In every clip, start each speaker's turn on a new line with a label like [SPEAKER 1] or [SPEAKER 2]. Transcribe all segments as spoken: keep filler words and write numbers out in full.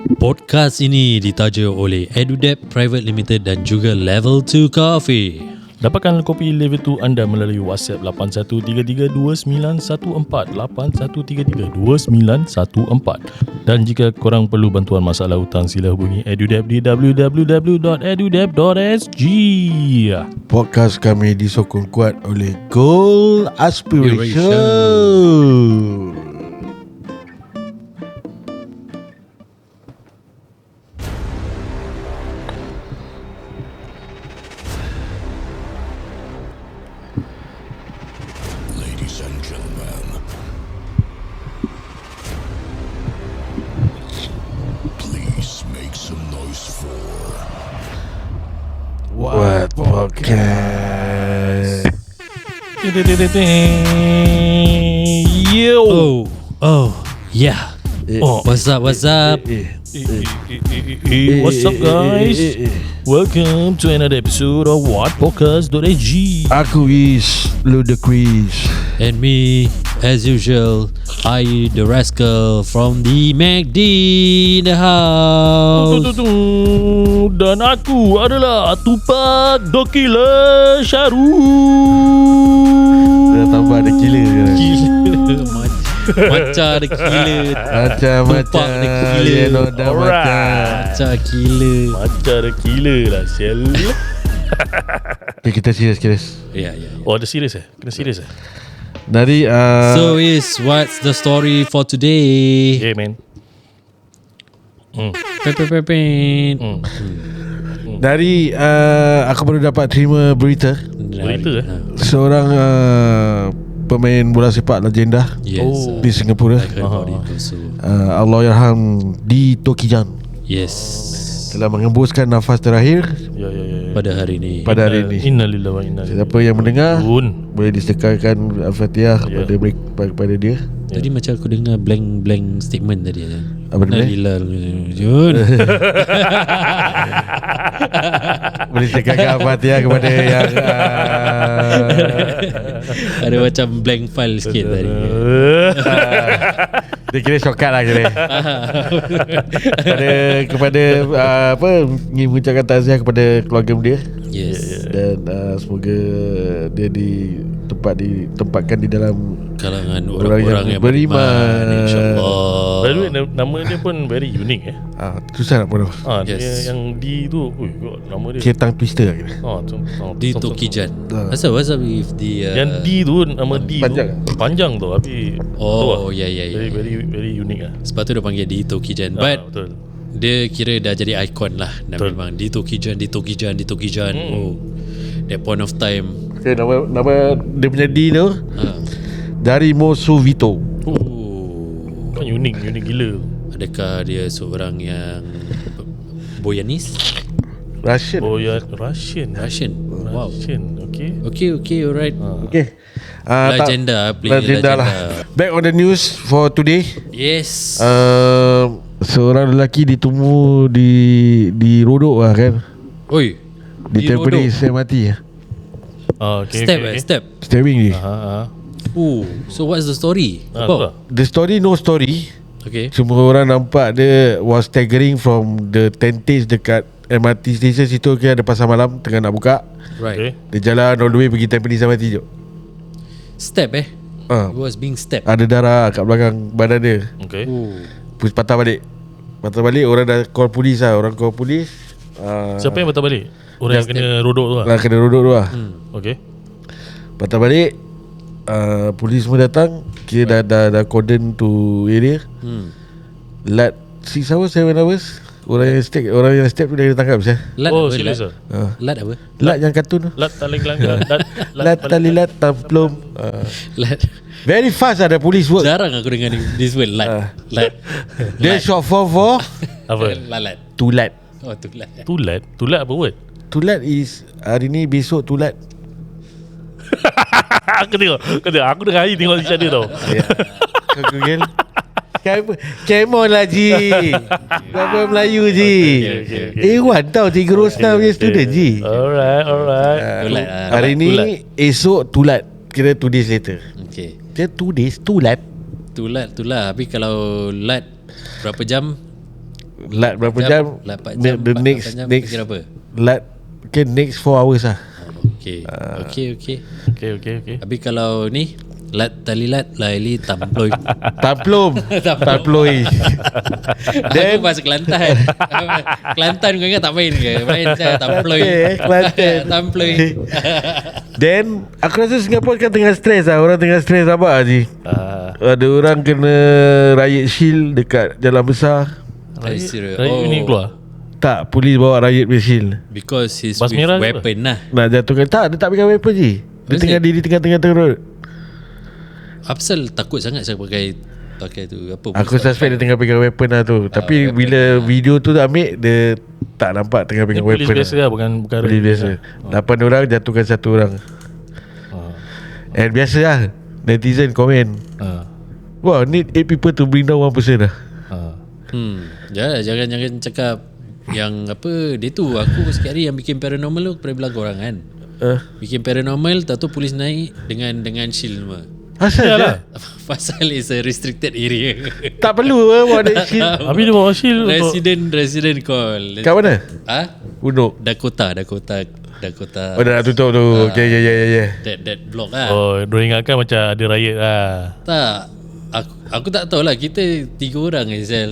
[SPEAKER 1] Podcast ini ditaja oleh EduDebt Private Limited dan juga Level two Coffee.
[SPEAKER 2] Dapatkan kopi Level two anda melalui WhatsApp lapan satu tiga tiga dua sembilan satu empat lapan satu tiga tiga dua sembilan satu empat. Dan jika korang perlu bantuan masalah hutang, sila hubungi EduDebt di w w w dot edudebt dot s g.
[SPEAKER 3] Podcast kami disokong kuat oleh Goal Aspiration.
[SPEAKER 1] Aspiration.
[SPEAKER 3] What podcast?
[SPEAKER 2] Yo.
[SPEAKER 1] Oh, oh, yeah.
[SPEAKER 3] Eh,
[SPEAKER 1] Oh, what's up, what's up?
[SPEAKER 3] eh,
[SPEAKER 2] Eh, eh, eh, eh, What's up guys?
[SPEAKER 3] eh, eh, eh.
[SPEAKER 2] Welcome to another episode of What Podcast dot s g.
[SPEAKER 3] Aku is Ludacris.
[SPEAKER 1] And me, as usual, I, the rascal from the MacD in the house.
[SPEAKER 2] Dan aku adalah Tupac Dokila Syaru.
[SPEAKER 3] Dah tambah ada killer sekarang.
[SPEAKER 1] Gila. Macam ada gila.
[SPEAKER 3] Macam-macam
[SPEAKER 1] Tupac ada killer.
[SPEAKER 3] yeah, no, dah
[SPEAKER 2] Alright.
[SPEAKER 3] macam.
[SPEAKER 1] Macam gila.
[SPEAKER 2] Macam ada gila lah Sel.
[SPEAKER 3] Okay, kita serius serius.
[SPEAKER 1] Ya, ya, ya.
[SPEAKER 2] Oh ada serius eh? Kena serius eh?
[SPEAKER 3] Dari uh,
[SPEAKER 1] So is what's the story for today?
[SPEAKER 2] Yeah man. Hmm.
[SPEAKER 1] Pepepepin.
[SPEAKER 2] Hmm.
[SPEAKER 3] Dari uh, aku baru dapat terima berita
[SPEAKER 2] Berita eh?
[SPEAKER 3] seorang uh, pemain bola sepak legenda
[SPEAKER 1] Yes.
[SPEAKER 2] Oh.
[SPEAKER 3] di Singapura.
[SPEAKER 1] I heard about it also.
[SPEAKER 3] Uh, Allahyarham Di Tokijan
[SPEAKER 1] Yes.
[SPEAKER 3] telah mengembuskan nafas terakhir
[SPEAKER 2] Ya ya ya, ya.
[SPEAKER 1] Pada hari ini.
[SPEAKER 3] pada hari ini.
[SPEAKER 2] Innalillahi wa inna ilaihi
[SPEAKER 3] Siapa yang mendengar
[SPEAKER 2] raji'un.
[SPEAKER 3] boleh disekarkan Al-Fatihah
[SPEAKER 2] Ya.
[SPEAKER 3] kepada mereka, kepada dia.
[SPEAKER 1] Tadi macam aku dengar blank-blank statement tadi.
[SPEAKER 3] Apa dia?
[SPEAKER 1] Nalillah Jun.
[SPEAKER 3] Boleh sekarkan Al-Fatihah kepada yang uh,
[SPEAKER 1] Ada macam blank file sikit tadi.
[SPEAKER 3] dia kira shortcut lah kira. kepada kepada uh, apa ingin mengucapkan takziah kepada keluarga dia
[SPEAKER 1] Yes.
[SPEAKER 3] dan uh, semoga dia di tempat ditempatkan di dalam
[SPEAKER 1] Kalangan
[SPEAKER 3] Orang
[SPEAKER 1] orang-orang
[SPEAKER 3] yang
[SPEAKER 1] yang,
[SPEAKER 3] beriman.
[SPEAKER 1] beriman, InsyaAllah.
[SPEAKER 2] By the way na- nama dia pun very unique eh.
[SPEAKER 3] ah, susah nak pun
[SPEAKER 2] Ah
[SPEAKER 1] Yes.
[SPEAKER 2] dia yang D tu, ui, God, nama dia.
[SPEAKER 3] kira tang twister lah kira.
[SPEAKER 2] Ah, tu, ah,
[SPEAKER 1] Di
[SPEAKER 2] tu- tu-
[SPEAKER 1] Tokijan.
[SPEAKER 3] Ah.
[SPEAKER 1] Asal what's up with the uh,
[SPEAKER 2] Yang D tu nama D
[SPEAKER 3] panjang
[SPEAKER 2] tu panjang tu tapi
[SPEAKER 1] Oh,
[SPEAKER 2] tu,
[SPEAKER 1] ya, ya, ya,
[SPEAKER 2] very,
[SPEAKER 1] ya.
[SPEAKER 2] very very unique ah.
[SPEAKER 1] sebab tu dia panggil Di Tokijan.
[SPEAKER 2] Ah,
[SPEAKER 1] But
[SPEAKER 2] betul.
[SPEAKER 1] dia kira dah jadi ikon lah. Dan
[SPEAKER 2] Betul.
[SPEAKER 1] memang Di Tokijan, Di Tokijan, Di Tokijan.
[SPEAKER 2] Hmm.
[SPEAKER 1] Oh, that point of time.
[SPEAKER 3] Okay, nama nama dia punya D tu
[SPEAKER 1] Ha.
[SPEAKER 3] dari Mosovito.
[SPEAKER 1] Oh.
[SPEAKER 2] Kan unik, unik gila.
[SPEAKER 1] Adakah dia seorang yang Boyanis?
[SPEAKER 3] Russian.
[SPEAKER 2] Oh ya, Russian.
[SPEAKER 1] Russian. Wow.
[SPEAKER 2] Russian, okay.
[SPEAKER 1] Okay, okay, alright.
[SPEAKER 3] Okay. Uh,
[SPEAKER 1] Legenda,
[SPEAKER 3] tak,
[SPEAKER 1] play
[SPEAKER 3] legenda
[SPEAKER 1] legenda.
[SPEAKER 3] lah. Back on the news for today.
[SPEAKER 1] Yes.
[SPEAKER 3] Uh, seorang lelaki ditemu di di rodok lah kan.
[SPEAKER 1] Oi.
[SPEAKER 3] Di Tampines M R T lah.
[SPEAKER 2] Ah, okay,
[SPEAKER 1] Step
[SPEAKER 2] okay,
[SPEAKER 1] eh, step.
[SPEAKER 3] Stabbing ni.
[SPEAKER 2] Ah, ah.
[SPEAKER 1] Oh, so what's the story?
[SPEAKER 2] Ah, tu
[SPEAKER 1] About?
[SPEAKER 2] lah.
[SPEAKER 3] The story no story.
[SPEAKER 1] Okay.
[SPEAKER 3] Cuma orang nampak dia was staggering from the tentage dekat M R T station situ. Okay, ada pasar malam tengah nak buka.
[SPEAKER 1] Right.
[SPEAKER 2] Okay.
[SPEAKER 3] Dia jalan all the way pergi Tampines M R T je.
[SPEAKER 1] Step eh.
[SPEAKER 3] Ah,
[SPEAKER 1] He was being stepped.
[SPEAKER 3] ada darah kat belakang badan dia.
[SPEAKER 2] Okay.
[SPEAKER 1] Oh.
[SPEAKER 3] Terus patah balik. Patah balik, orang dah call polis lah. Orang call polis. uh,
[SPEAKER 2] Siapa yang patah balik? Orang yang kena rodok tu lah.
[SPEAKER 3] Lah kena rodok tu lah.
[SPEAKER 1] Hmm.
[SPEAKER 2] Okay.
[SPEAKER 3] Patah balik, uh, polis semua datang. Kira dah, dah, dah cordon to area.
[SPEAKER 1] Hmm.
[SPEAKER 3] Lat six hours, seven hours. Orang yang step, orang yang step tu dah ditangkap saya.
[SPEAKER 1] Lat
[SPEAKER 2] Oh,
[SPEAKER 1] apa?
[SPEAKER 2] serius
[SPEAKER 1] Lat?
[SPEAKER 2] ah?
[SPEAKER 3] Uh,
[SPEAKER 1] Lat apa?
[SPEAKER 3] lat yang kartun tu.
[SPEAKER 2] Lat tali gelanggang. Lat
[SPEAKER 3] Lat tali lat tamplum. Uh,
[SPEAKER 1] Lat.
[SPEAKER 3] very fast ada polis work.
[SPEAKER 1] Jarang aku dengar ni- this word lat.
[SPEAKER 3] Ah.
[SPEAKER 1] Lat.
[SPEAKER 3] Dia short form for
[SPEAKER 2] Apa?
[SPEAKER 1] Lalat.
[SPEAKER 3] tulat.
[SPEAKER 1] Oh, tu lat.
[SPEAKER 2] Tulat. Tulat apa word?
[SPEAKER 3] Tulat is hari ni, besok tulat.
[SPEAKER 2] Aku tengok. Aku tengok. Aku dengar hari tengok channel tau.
[SPEAKER 3] Ya. Kau Google. Come on lah Ji. Berapa Melayu Ji.
[SPEAKER 2] Okay, okay, okay.
[SPEAKER 3] Eh Wan tau Cikgu Rosna punya student Ji.
[SPEAKER 2] Alright, alright.
[SPEAKER 1] Tulat. ah.
[SPEAKER 3] Hari ni
[SPEAKER 2] tulat.
[SPEAKER 3] esok tulat. Kira two days later.
[SPEAKER 1] Okay.
[SPEAKER 3] Kira two days tulat.
[SPEAKER 1] Tu lat tu lah. Tapi kalau lat berapa jam?
[SPEAKER 3] Lat berapa jam,
[SPEAKER 1] lapan
[SPEAKER 3] the,
[SPEAKER 1] jam
[SPEAKER 3] the
[SPEAKER 1] empat,
[SPEAKER 3] next
[SPEAKER 1] lapan jam,
[SPEAKER 3] next
[SPEAKER 1] kira apa?
[SPEAKER 3] Lat okay, next four hours lah.
[SPEAKER 1] Okay Okay okay
[SPEAKER 2] Okay okay okay.
[SPEAKER 1] Habis kalau ni lat tali lat laili tamploy.
[SPEAKER 3] Taplum Taploi.
[SPEAKER 1] Aku bahasa Kelantan. Kelantan kau ingat tak main ke? Main saya tamploy.
[SPEAKER 3] Kelantan.
[SPEAKER 1] Tamploy.
[SPEAKER 3] Then aku rasa Singapura kan tengah stres lah. Orang tengah stres apa Haji?
[SPEAKER 2] Uh,
[SPEAKER 3] Ada orang kena riot shield dekat jalan besar.
[SPEAKER 1] Are you serious?
[SPEAKER 2] Raya
[SPEAKER 1] Oh,
[SPEAKER 2] ni keluar.
[SPEAKER 3] Tak, polis bawa riot shield.
[SPEAKER 1] because he's
[SPEAKER 2] Bas
[SPEAKER 1] with
[SPEAKER 2] merah ke
[SPEAKER 1] weapon lah.
[SPEAKER 3] Nak jatuhkan. Tak, dia tak pegang weapon je. Dia
[SPEAKER 1] Is
[SPEAKER 3] tengah
[SPEAKER 1] it?
[SPEAKER 3] diri tengah-tengah road.
[SPEAKER 1] Apsal takut sangat saya pakai pakai tu apa?
[SPEAKER 3] Aku suspect dia tengah pegang weapon lah tu. Tapi
[SPEAKER 1] weapon
[SPEAKER 3] bila
[SPEAKER 1] lah.
[SPEAKER 3] video tu dah ambil, dia tak nampak tengah
[SPEAKER 2] Ni
[SPEAKER 3] pegang
[SPEAKER 2] polis
[SPEAKER 3] weapon
[SPEAKER 2] biasa
[SPEAKER 3] lah.
[SPEAKER 2] lah, bukan bukan
[SPEAKER 3] Polis biasa. Lapan orang jatuhkan satu orang.
[SPEAKER 2] Ah.
[SPEAKER 3] And biasa lah, netizen komen,
[SPEAKER 2] Ah.
[SPEAKER 3] wow, need eight people to bring down one person lah.
[SPEAKER 2] Ah.
[SPEAKER 1] Hmm, jangan jangan jangan cakap yang apa dia tu. Aku sikit hari yang bikin paranormal tu aku pernah bilang korang kan.
[SPEAKER 3] Uh,
[SPEAKER 1] Bikin paranormal, tahu tu polis naik dengan dengan shield semua.
[SPEAKER 3] asal
[SPEAKER 2] Yalah.
[SPEAKER 3] je?
[SPEAKER 1] Pasal is a restricted area.
[SPEAKER 3] Tak perlu lah buat that shit.
[SPEAKER 2] Habis dia bawa shield untuk
[SPEAKER 1] Resident resident call.
[SPEAKER 3] Kat mana?
[SPEAKER 1] Ah,
[SPEAKER 3] Unuk.
[SPEAKER 1] Dakota, Dakota, Dakota.
[SPEAKER 3] Oh, dah nak tutup tu. Okay, yeah, yeah, yeah, yeah.
[SPEAKER 1] That that block lah.
[SPEAKER 2] Oh, dia ingatkan macam ada riot lah.
[SPEAKER 1] Tak. Aku aku tak tahu lah. Kita tiga orang je Zal.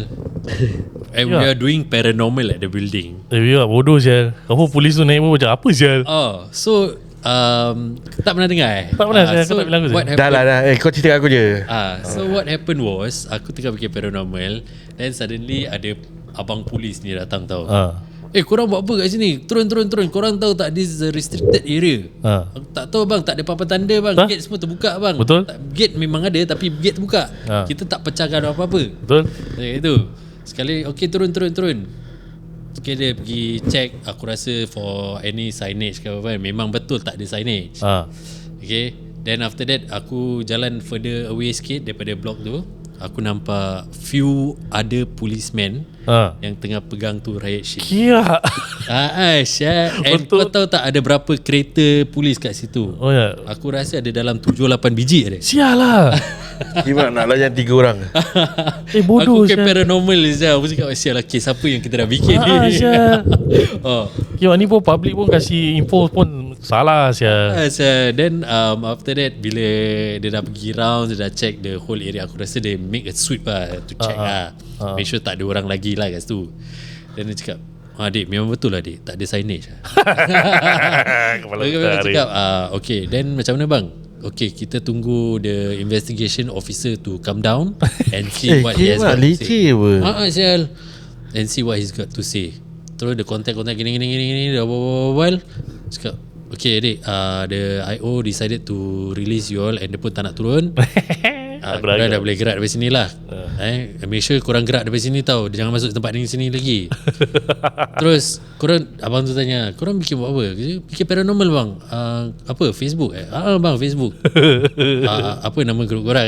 [SPEAKER 1] And we
[SPEAKER 2] Ya.
[SPEAKER 1] are doing paranormal at the building.
[SPEAKER 2] Eh, biar bodoh sial. Kamu polis tu naik pun macam apa sial?
[SPEAKER 1] Oh, so um, tak pernah dengar eh?
[SPEAKER 2] Tak pernah,
[SPEAKER 1] Ah,
[SPEAKER 2] saya- aku
[SPEAKER 1] so
[SPEAKER 2] tak bilang aku,
[SPEAKER 1] what
[SPEAKER 2] saya.
[SPEAKER 3] Dah
[SPEAKER 1] happened?
[SPEAKER 3] lah, dah. Eh, kau cerita kat aku je.
[SPEAKER 1] Ah, so what happened was aku tengah bikin paranormal, then suddenly ada abang polis ni datang tau.
[SPEAKER 2] Ah.
[SPEAKER 1] Eh, korang buat apa kat sini? Turun, turun, turun. Korang tahu tak this is a restricted area?
[SPEAKER 2] Ah.
[SPEAKER 1] Aku tak tahu bang, tak ada papan tanda bang.
[SPEAKER 2] Tak?
[SPEAKER 1] Gate semua terbuka bang.
[SPEAKER 2] Betul.
[SPEAKER 1] Tak, gate memang ada tapi gate terbuka.
[SPEAKER 2] Ah.
[SPEAKER 1] Kita tak pecahkan apa-apa.
[SPEAKER 2] Betul?
[SPEAKER 1] Eh, itu. Sekali okey turun turun turun. Sekali dia pergi check, aku rasa for any signage ke apa, memang betul tak ada signage.
[SPEAKER 2] Ah.
[SPEAKER 1] Okay. Then after that aku jalan further away sikit daripada block tu. Aku nampak few other policemen
[SPEAKER 2] Ah.
[SPEAKER 1] yang tengah pegang tu riot shield.
[SPEAKER 2] Kira.
[SPEAKER 1] Ah, Aisyah. And
[SPEAKER 2] Betul.
[SPEAKER 1] kau tahu tak ada berapa kereta polis kat situ?
[SPEAKER 2] Oh ya.
[SPEAKER 1] Aku rasa ada dalam tujuh lapan biji ada.
[SPEAKER 2] Sial lah.
[SPEAKER 3] Gimana nak layan tiga orang?
[SPEAKER 2] Eh bodoh
[SPEAKER 1] Aku ke
[SPEAKER 2] sial.
[SPEAKER 1] paranormal Zah. Aku cakap sial lah, kes apa yang kita dah bikin
[SPEAKER 2] Ah,
[SPEAKER 1] ni.
[SPEAKER 2] sial.
[SPEAKER 1] Oh.
[SPEAKER 2] Kira ni pun public pun kasih info pun salah sial.
[SPEAKER 1] Ah, so, then um, after that bila dia dah pergi round, dia dah check the whole area. Aku rasa dia make a sweep lah to check
[SPEAKER 2] Ah, ah.
[SPEAKER 1] lah.
[SPEAKER 2] Ah.
[SPEAKER 1] Make sure tak ada orang lagi lah kat situ. Then dia cakap, ah dik, memang betul lah dik, tak ada signage lah.
[SPEAKER 2] Kepala
[SPEAKER 1] Dia
[SPEAKER 2] otak
[SPEAKER 1] cakap, ah, okay, then macam mana bang? Okay, kita tunggu the investigation officer to come down and see
[SPEAKER 3] Eh,
[SPEAKER 1] what he has
[SPEAKER 3] kimak
[SPEAKER 1] got to say.
[SPEAKER 3] leceh apa?
[SPEAKER 1] Ah, ah, sial. And see what he's got to say. Terus dia contact-contact gini gini gini gini dah berbual. Cakap, okay adik, uh, the I O decided to release you all and dia pun tak nak turun. Ah,
[SPEAKER 2] Aku
[SPEAKER 1] korang
[SPEAKER 2] dah
[SPEAKER 1] dah boleh gerak dari sini lah. Eh, make sure korang gerak dari sini tau. Jangan masuk tempat ni sini lagi. Terus korang, abang tu tanya, korang bikin buat apa? Bikin paranormal bang. Uh, apa? Facebook eh? Ah bang, Facebook. Ah, apa nama grup korang?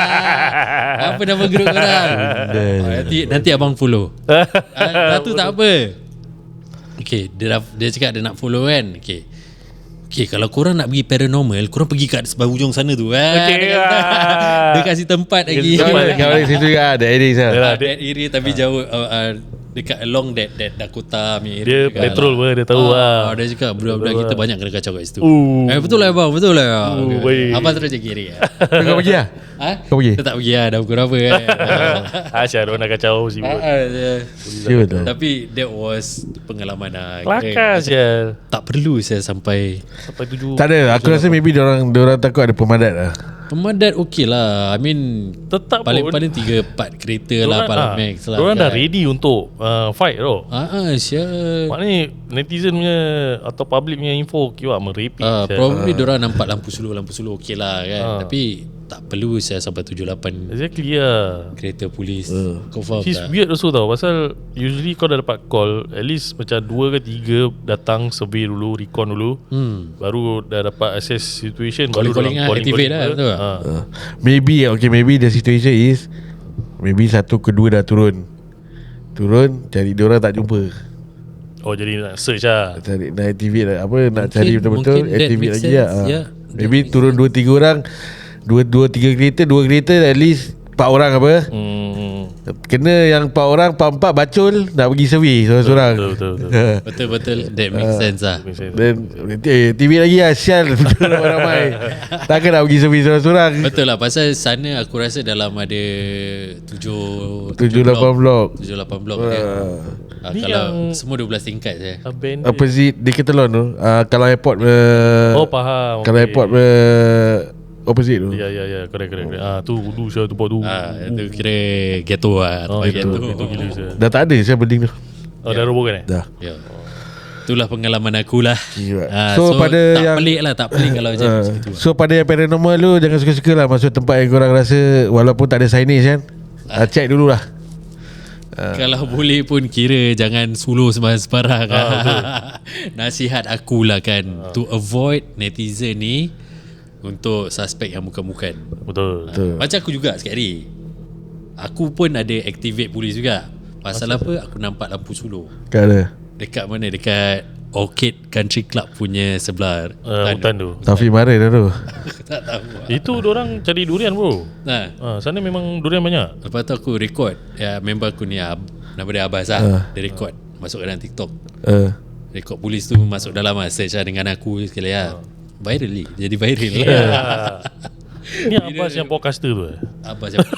[SPEAKER 1] Ah, apa nama grup korang? Ah, nanti nanti abang follow. Ah, tu tak apa. Okay, dia dah, dia cakap dia nak follow kan. Okay. Okay, kalau korang nak pergi paranormal, korang pergi kat sebelah hujung sana tu. Ah,
[SPEAKER 2] Okay,
[SPEAKER 1] dia, kata,
[SPEAKER 2] ah.
[SPEAKER 1] dia kasih tempat lagi.
[SPEAKER 3] Kau balik situ juga ada edit lah.
[SPEAKER 2] Yalah,
[SPEAKER 1] Ah, that area tapi jauh uh, uh, dekat along that that Dakota punya area.
[SPEAKER 2] Dia
[SPEAKER 1] juga
[SPEAKER 2] petrol
[SPEAKER 1] lah.
[SPEAKER 2] pun dia tahu
[SPEAKER 1] Ah,
[SPEAKER 2] lah.
[SPEAKER 1] Dia cakap budak-budak kita banyak kena kacau kat situ.
[SPEAKER 2] Uh.
[SPEAKER 1] Eh, betul lah bang, betul lah.
[SPEAKER 2] Uh,
[SPEAKER 1] Okay.
[SPEAKER 2] baik.
[SPEAKER 1] Abang terus jaga area.
[SPEAKER 3] Kau pergi lah?
[SPEAKER 1] Ha?
[SPEAKER 3] Kau pergi?
[SPEAKER 1] Dia tak pergi lah, dah pukul berapa kan.
[SPEAKER 2] Asyik orang nak kacau
[SPEAKER 1] Ah,
[SPEAKER 2] sibuk.
[SPEAKER 1] ah, dia-
[SPEAKER 3] Sure tu.
[SPEAKER 1] Tapi that was pengalaman lah.
[SPEAKER 2] Kelakar
[SPEAKER 1] Eh,
[SPEAKER 2] sial.
[SPEAKER 1] Tak perlu saya sampai
[SPEAKER 2] Sampai tujuh.
[SPEAKER 3] Tak ada, aku rasa maybe diorang, diorang takut ada pemadat lah.
[SPEAKER 1] pemadat okey lah. I mean
[SPEAKER 2] Tetap pun
[SPEAKER 1] paling-paling tiga empat kereta lah, Palang Max lah.
[SPEAKER 2] Diorang dah
[SPEAKER 1] kan.
[SPEAKER 2] ready untuk uh, fight tau.
[SPEAKER 1] Ah, ah, sial.
[SPEAKER 2] Maknanya netizen punya atau public punya info kira merepek.
[SPEAKER 1] Ah,
[SPEAKER 2] sial.
[SPEAKER 1] probably diorang nampak lampu slow, lampu slow okey lah kan.
[SPEAKER 2] Ah.
[SPEAKER 1] Tapi tak perlu saya sampai tujuh lapan
[SPEAKER 2] Exactly lah.
[SPEAKER 1] kereta polis. Kau faham
[SPEAKER 2] Which is
[SPEAKER 1] tak?
[SPEAKER 2] weird also tau. Pasal usually kau dah dapat call, at least macam dua ke tiga datang survey dulu, recon dulu,
[SPEAKER 1] Hmm.
[SPEAKER 2] baru dah dapat assess situation.
[SPEAKER 1] Calling-calling
[SPEAKER 2] baru
[SPEAKER 1] lah,
[SPEAKER 2] dorang
[SPEAKER 1] activate lah,
[SPEAKER 2] calling-calling
[SPEAKER 1] betul tak?
[SPEAKER 2] ha.
[SPEAKER 3] Uh, maybe, okay, maybe the situation is maybe satu kedua dah turun. Turun, cari diorang tak jumpa.
[SPEAKER 2] Oh jadi nak search lah.
[SPEAKER 3] Cari, nak activate lah. Apa, nak
[SPEAKER 1] Mungkin-
[SPEAKER 3] cari betul-betul,
[SPEAKER 1] mungkin that
[SPEAKER 3] activate
[SPEAKER 1] makes
[SPEAKER 3] lagi
[SPEAKER 1] sense.
[SPEAKER 3] lah. Ah.
[SPEAKER 1] Yeah, that
[SPEAKER 3] Maybe
[SPEAKER 1] makes
[SPEAKER 3] turun dua tiga orang, dua dua tiga kereta, dua kereta at least empat orang apa.
[SPEAKER 2] Hmm.
[SPEAKER 3] Kena yang empat orang, empat-empat bacul nak pergi survey seorang-seorang.
[SPEAKER 2] Betul betul, betul.
[SPEAKER 1] Betul-betul. That makes sense lah.
[SPEAKER 3] Dan eh, T V lagi lah sial ramai-ramai. Takkan nak pergi survey seorang-seorang.
[SPEAKER 1] Betul lah. Pasal sana aku rasa dalam ada tujuh
[SPEAKER 3] Tujuh lapan blok.
[SPEAKER 1] Tujuh lapan blok dia. Uh,
[SPEAKER 2] Ni
[SPEAKER 1] kalau
[SPEAKER 2] yang-
[SPEAKER 1] semua dua belas tingkat je.
[SPEAKER 2] Abandoned.
[SPEAKER 3] Opposite Decathlon tu, uh, kalau airport uh,
[SPEAKER 2] Oh faham.
[SPEAKER 3] Kalau
[SPEAKER 2] okay.
[SPEAKER 3] airport uh, opposite tu.
[SPEAKER 2] Ya ya ya, correct correct. correct. Ah tu dulu saya tempat tu.
[SPEAKER 1] Ah, itu kira ghetto lah.
[SPEAKER 2] Oh
[SPEAKER 1] tempat
[SPEAKER 2] itu
[SPEAKER 1] ghetto.
[SPEAKER 2] itu gila saya.
[SPEAKER 3] Dah tak ada saya building tu.
[SPEAKER 2] Oh dah robohkan eh?
[SPEAKER 3] Dah.
[SPEAKER 1] Ya. Itulah pengalaman aku lah.
[SPEAKER 3] Gila.
[SPEAKER 1] Ah,
[SPEAKER 3] So,
[SPEAKER 1] so,
[SPEAKER 3] pada
[SPEAKER 1] tak
[SPEAKER 3] yang-
[SPEAKER 1] pelik lah, tak pelik kalau macam
[SPEAKER 3] Uh,
[SPEAKER 1] macam tu.
[SPEAKER 3] so pada yang paranormal lu jangan suka-suka lah masuk tempat yang korang rasa walaupun tak ada signage kan. Uh, check dulu lah.
[SPEAKER 1] Uh, Kalau boleh pun kira jangan suluh sembarang-sembarang.
[SPEAKER 2] Ah,
[SPEAKER 1] Nasihat aku lah kan,
[SPEAKER 2] Ah.
[SPEAKER 1] to avoid netizen ni untuk suspek yang bukan-bukan.
[SPEAKER 2] Betul.
[SPEAKER 3] Betul.
[SPEAKER 1] Macam aku juga sikit hari, aku pun ada activate polis juga. Pasal apa? Aku nampak lampu suluh.
[SPEAKER 3] Tak ada.
[SPEAKER 1] Dekat mana? Dekat Orchid Country Club punya sebelah
[SPEAKER 2] Uh, hutan tu.
[SPEAKER 3] Taufik marah dah tu.
[SPEAKER 1] Aku tak tahu.
[SPEAKER 2] Itu orang cari durian bro.
[SPEAKER 1] Nah,
[SPEAKER 2] Ah, sana memang durian banyak.
[SPEAKER 1] lepas tu aku record ya, member aku ni Ab, nama dia Abbas lah.
[SPEAKER 3] Uh.
[SPEAKER 1] Dia record masuk dalam TikTok.
[SPEAKER 3] Uh,
[SPEAKER 1] Rekod polis tu masuk dalam lah, search lah dengan aku sekali lah. Viral ni, jadi viral lah.
[SPEAKER 2] Yeah. Ni Abbas yang podcaster tu eh?
[SPEAKER 1] Abbas yang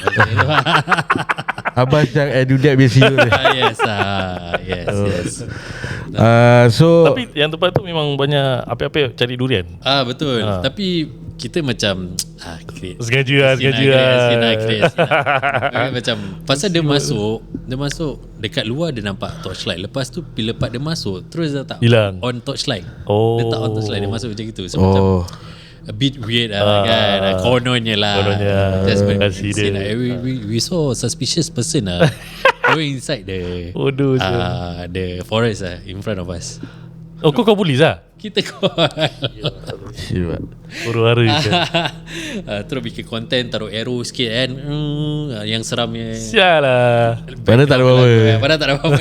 [SPEAKER 3] Abbas yang edudak biasa tu.
[SPEAKER 1] ah, yes ah, yes yes.
[SPEAKER 3] Uh, so
[SPEAKER 2] Tapi yang tempat tu memang banyak apa-apa cari durian.
[SPEAKER 1] Ah betul.
[SPEAKER 2] Ah.
[SPEAKER 1] Tapi kita macam ah create.
[SPEAKER 2] Sengaja lah, sengaja
[SPEAKER 1] Create,
[SPEAKER 2] lah.
[SPEAKER 1] create, create, create. Okay, macam pasal dia masuk, dia masuk dekat luar dia nampak torchlight. Lepas tu bila part dia masuk terus dia tak
[SPEAKER 2] Hilang.
[SPEAKER 1] on torchlight.
[SPEAKER 2] Oh.
[SPEAKER 1] Dia tak on torchlight, dia masuk macam gitu. So macam
[SPEAKER 3] oh,
[SPEAKER 1] a bit weird lah
[SPEAKER 2] Ah.
[SPEAKER 1] kan. Kononnya lah.
[SPEAKER 2] Kononnya.
[SPEAKER 1] Just when
[SPEAKER 2] Kasih
[SPEAKER 1] we, see
[SPEAKER 2] dia.
[SPEAKER 1] lah, we, we, we saw a suspicious person lah going inside the
[SPEAKER 2] Bodoh je.
[SPEAKER 1] uh, the forest lah in front of us.
[SPEAKER 2] Oh kau kau polis lah?
[SPEAKER 1] Kita call.
[SPEAKER 3] siap.
[SPEAKER 2] Huru-hara je.
[SPEAKER 1] uh, terus bikin konten, taruh arrow sikit kan. Hmm, yang seramnya.
[SPEAKER 2] Sial lah.
[SPEAKER 3] Padahal tak ada apa-apa.
[SPEAKER 1] Padahal tak ada apa-apa.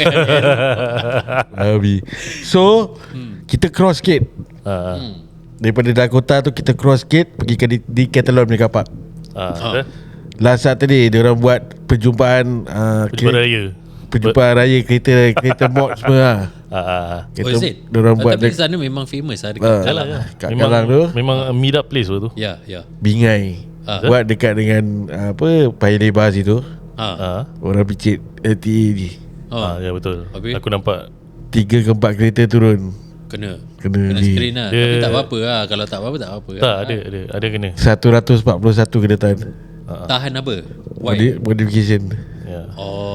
[SPEAKER 3] Habis. So kita cross sikit.
[SPEAKER 2] Ah,
[SPEAKER 3] Daripada Dakota tu kita cross sikit pergi ke di, di Catalan punya kapak.
[SPEAKER 2] ah,
[SPEAKER 1] Ah.
[SPEAKER 2] dah.
[SPEAKER 3] Last Saturday dia orang buat perjumpaan uh,
[SPEAKER 2] Perjumpaan raya.
[SPEAKER 3] Perjumpaan raya kereta kereta mod semua lah.
[SPEAKER 2] Ah, ah.
[SPEAKER 1] Oh is it?
[SPEAKER 3] Dia orang buat
[SPEAKER 1] Tapi
[SPEAKER 3] dek-
[SPEAKER 1] sana memang famous lah
[SPEAKER 3] Ah.
[SPEAKER 1] dekat
[SPEAKER 2] Yalah,
[SPEAKER 1] Kalang.
[SPEAKER 2] ya.
[SPEAKER 3] Kat
[SPEAKER 2] Memang,
[SPEAKER 3] Kalang tu.
[SPEAKER 2] memang a meet up place tu.
[SPEAKER 1] Ya, ya.
[SPEAKER 3] Bingai.
[SPEAKER 1] Ah.
[SPEAKER 3] Buat dekat dengan uh, apa Paya Lebar situ.
[SPEAKER 1] Ah.
[SPEAKER 2] Ah.
[SPEAKER 3] Orang picit L T A ni.
[SPEAKER 1] Oh,
[SPEAKER 2] Ah, ya betul.
[SPEAKER 1] Habis?
[SPEAKER 2] Aku nampak.
[SPEAKER 3] Tiga ke empat kereta turun.
[SPEAKER 1] kena.
[SPEAKER 3] Kena
[SPEAKER 1] Kena
[SPEAKER 3] ni.
[SPEAKER 1] screen lah.
[SPEAKER 2] Dia-
[SPEAKER 1] Tapi tak apa-apa lah. Kalau tak apa-apa tak apa-apa.
[SPEAKER 2] Tak
[SPEAKER 1] lah.
[SPEAKER 2] ada ada ada kena.
[SPEAKER 3] seratus empat puluh satu kena tahan.
[SPEAKER 1] Tahan apa? Why?
[SPEAKER 3] Modi- Modification.
[SPEAKER 2] Ya.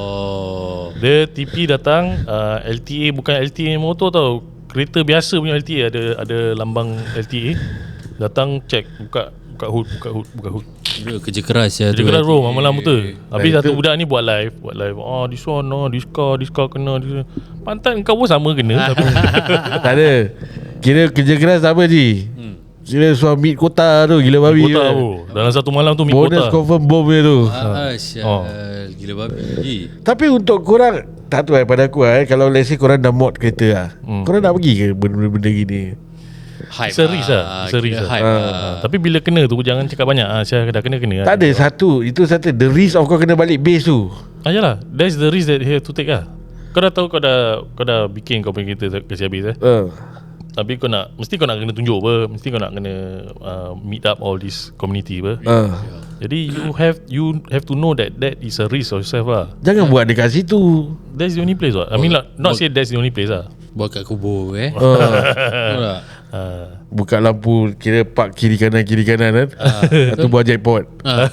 [SPEAKER 1] Oh.
[SPEAKER 2] Dia T P datang uh, L T A bukan L T A motor tau. Kereta biasa punya L T A ada ada lambang L T A. Datang check buka buka hood buka hood buka hood.
[SPEAKER 1] Dia kerja keras ya.
[SPEAKER 2] Dia kena roll malam betul. Habis
[SPEAKER 3] Nah,
[SPEAKER 2] satu
[SPEAKER 3] itu-
[SPEAKER 2] budak ni buat live, buat live. Oh, this one no, this car, this car kena. This... Pantat kau pun sama kena. Tapi
[SPEAKER 3] Tak ada. Kira kerja keras tak apa Ji. Kira suami kota tu gila babi.
[SPEAKER 2] kota
[SPEAKER 3] kan.
[SPEAKER 2] tu. Dalam satu malam tu mi
[SPEAKER 3] Bonus
[SPEAKER 2] kota.
[SPEAKER 3] confirm bom dia tu.
[SPEAKER 1] Ah, syal.
[SPEAKER 2] Oh.
[SPEAKER 1] Gila babi.
[SPEAKER 3] Tapi untuk korang tak tahu eh pada aku eh kalau let's say korang dah mod kereta lah.
[SPEAKER 2] Hmm.
[SPEAKER 3] Korang nak pergi ke benda-benda gini?
[SPEAKER 1] Hype
[SPEAKER 2] It's a risk lah. It's a
[SPEAKER 1] Kira
[SPEAKER 2] risk lah.
[SPEAKER 1] hype
[SPEAKER 3] Ah.
[SPEAKER 1] lah.
[SPEAKER 2] Ah, tapi bila kena tu jangan cakap banyak. Ah, saya dah kena kena.
[SPEAKER 3] Tak ada satu. Itu satu. The risk of kau kena balik base tu.
[SPEAKER 2] Ah, yalah, that's the risk that you have to take lah. Kau dah tahu kau dah kau dah bikin kau punya kereta kasi habis eh.
[SPEAKER 3] Uh.
[SPEAKER 2] Tapi kau nak mesti kau nak kena tunjuk apa, mesti kau nak kena uh, meet up all this community apa.
[SPEAKER 3] Uh.
[SPEAKER 2] Jadi you have you have to know that that is a risk of yourself lah.
[SPEAKER 3] Jangan buat dekat situ.
[SPEAKER 2] That's the only place what. I mean like, not say that's the only place lah.
[SPEAKER 1] Buat kat kubur eh.
[SPEAKER 3] Uh.
[SPEAKER 1] Tahu tak?
[SPEAKER 2] Uh,
[SPEAKER 3] Buka lampu kira park kiri kanan kiri kanan kan. Atau buat jackpot.
[SPEAKER 1] Ah.